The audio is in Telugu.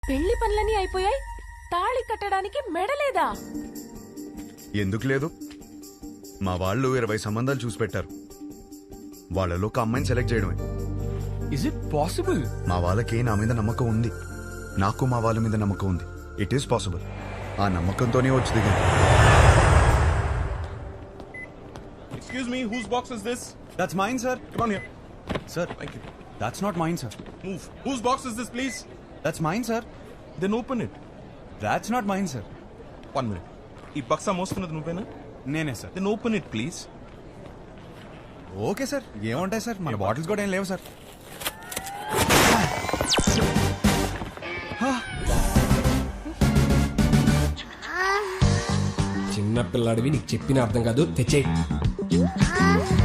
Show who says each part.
Speaker 1: పెళ్లి పనులన్నీ అయిపోయాయి, తాళి కట్టడానికి మెడలేదా?
Speaker 2: ఎందుకు లేదు? మా వాళ్ళు 20 సంబంధాలు చూసి పెట్టారు. వాళ్ళలో ఒక అమ్మాయిని సెలెక్ట్ చేయడమే.
Speaker 3: Is it possible?
Speaker 2: మా వాళ్ళకి నా మీద నమ్మకం ఉంది, నాకు మా వాళ్ళ మీద నమ్మకం ఉంది. It is possible. ఆ నమ్మకంతోనే వచ్చి దిగింది.
Speaker 4: Excuse me, whose box is this?
Speaker 5: That's mine, sir.
Speaker 4: Come on here.
Speaker 5: Sir,
Speaker 4: Thank you.
Speaker 5: that's not mine, sir.
Speaker 4: Move. Whose box is this, please?
Speaker 5: That's mine, sir.
Speaker 4: Then open it.
Speaker 5: That's not mine, sir.
Speaker 4: 1 minute. ఈ బక్సా మోస్తున్నది నువ్వేనా?
Speaker 5: నేనే sir.
Speaker 4: Then open it, please.
Speaker 5: Okay sir, ఏముంటాయి సార్, మన బాటిల్స్ కూడా ఏం లేవు సార్.
Speaker 3: చిన్న పిల్లాడివి, నీకు చెప్పిన అర్థం కాదు. తెచ్చేయి.